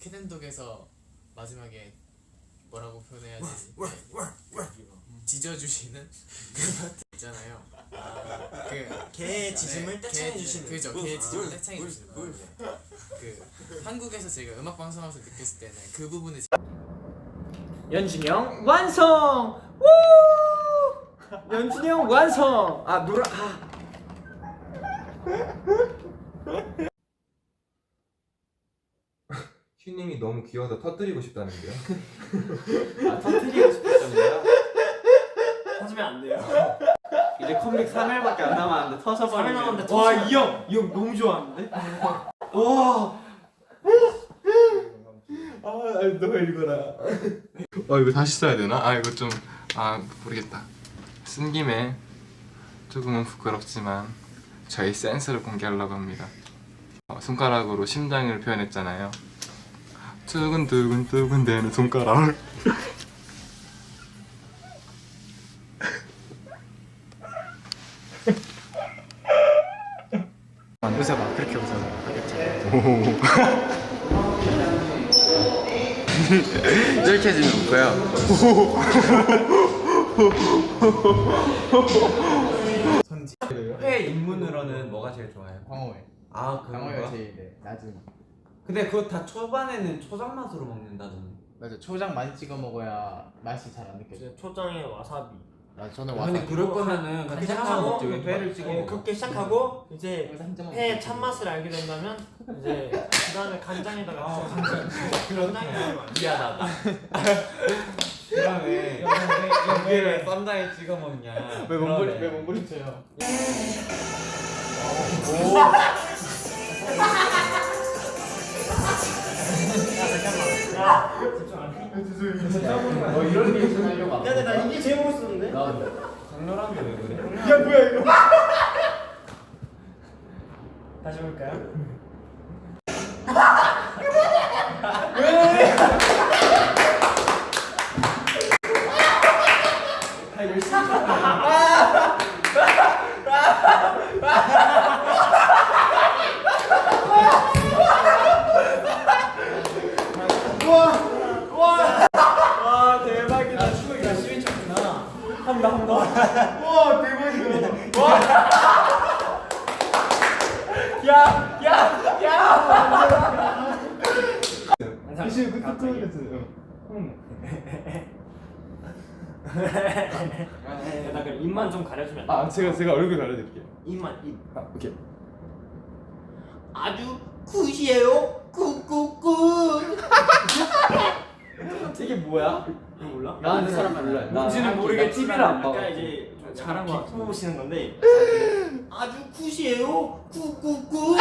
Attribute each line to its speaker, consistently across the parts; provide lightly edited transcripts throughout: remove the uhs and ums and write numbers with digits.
Speaker 1: 퀸앤독에서 마지막에 뭐라고 표현해야 되지? 지져주시는 그 파트 있잖아요. 그
Speaker 2: 개의 지짐을 떼창해 주시는.
Speaker 1: 그죠. 개의 지짐을 떼창해 주시는 거. 그 한국에서 제가 음악 방송하면서 느꼈을 때는 그 부분을
Speaker 3: 연준이 형 완성! 우! 연준이 형 완성! 아 노래
Speaker 4: 슈님이 너무 귀여워서 터뜨리고 싶다는데요.
Speaker 3: 아 터뜨리고 싶었던데요?
Speaker 2: 터지면 안 돼요.
Speaker 3: 이제 컴백 3일밖에 안 남았는데 터져버리네.
Speaker 2: 3일 남았는데
Speaker 3: 와,
Speaker 2: 터져.
Speaker 3: 이 형 너무 좋아하는데? 와.
Speaker 4: 너 읽어라. 이거 다시 써야 되나? 이거 좀 모르겠다. 쓴 김에 조금은 부끄럽지만 저희 센스를 공개하려고 합니다. 손가락으로 심장을 표현했잖아요. 두근두근 대는 손가락.
Speaker 1: 웃어봐. 그렇게 웃어봐.
Speaker 4: 이렇게 해주면 웃고요.
Speaker 3: 회 입문으로는 뭐가 제일 좋아요?
Speaker 1: 광어회.
Speaker 3: 아
Speaker 1: 광어회가 제일 낮은.
Speaker 3: 근데 그거 다 초반에는 초장 맛으로 먹는다던데.
Speaker 1: 맞아. 초장 많이 찍어 먹어야 맛이 잘 안 느껴져.
Speaker 2: 초장에 와사비.
Speaker 1: 저는
Speaker 3: 근데
Speaker 1: 와사비.
Speaker 3: 그럴 거면은
Speaker 2: 그렇게
Speaker 3: 간장만
Speaker 2: 시작하고
Speaker 3: 먹지 왜 회를 찍어 먹어?
Speaker 2: 그렇게 시작하고 이제
Speaker 1: 여기서 한 점만
Speaker 2: 회
Speaker 1: 먹을게요.
Speaker 2: 참맛을 알게 된다면 이제 그 다음에 간장에다가 간장에다가
Speaker 3: 미안하다. 그다음에 여기를 쌈장에 찍어 먹냐?
Speaker 1: 왜 몸부림쳐요?
Speaker 2: 야 집중 안 해?
Speaker 1: 이런 리액션 하려고 안
Speaker 2: 야 근데 나 이게 제일 멋있었는데?
Speaker 3: 강렬한데 왜 그래?
Speaker 2: 야 뭐야 이거? 다시 볼까요? 왜? 열심히 쳤다. 와 대박이다. 추억이 열심히 쳤구나. 한 번. 와 대박이다.
Speaker 1: 사실 그때
Speaker 2: 나 그럼 입만 좀 가려주면 안 돼?
Speaker 4: 제가 얼굴 가려드릴게요.
Speaker 2: 입만 입.
Speaker 4: 오케이.
Speaker 2: 아주 굿이에요. 굿굿굿.
Speaker 3: 이게 뭐야?
Speaker 2: 이거 몰라?
Speaker 3: 나는 사람 몰라.
Speaker 2: 뭔지는 모르겠지만
Speaker 3: TV를 안 봐.
Speaker 2: 약간 이제 좀
Speaker 3: 잘한 거
Speaker 2: 비꼬 보시는 건데 아주 굿이에요. 굿굿굿.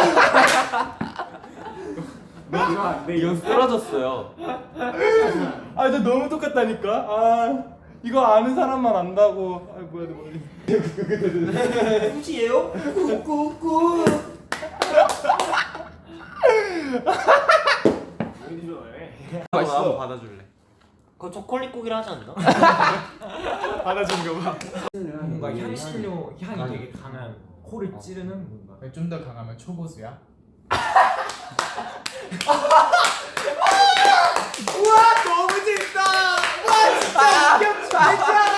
Speaker 3: 너무 좋아. 내 연습 떨어졌어요.
Speaker 4: 나 너무 똑같다니까. 이거 아는 사람만 안다고. 뭐야.
Speaker 2: 굿이에요. 굿굿굿. 왜 이래?
Speaker 3: 한번 받아줄래?
Speaker 2: 그거 초콜릿국이라 하지 않나?
Speaker 1: 받아주는 거 봐.
Speaker 3: 뭔가 향신료 향이 되게 강한 코를 찌르는 뭔가.
Speaker 1: 좀 더 강하면 초보수야?
Speaker 3: 우와 너무 재밌다. 와 진짜 웃겼다.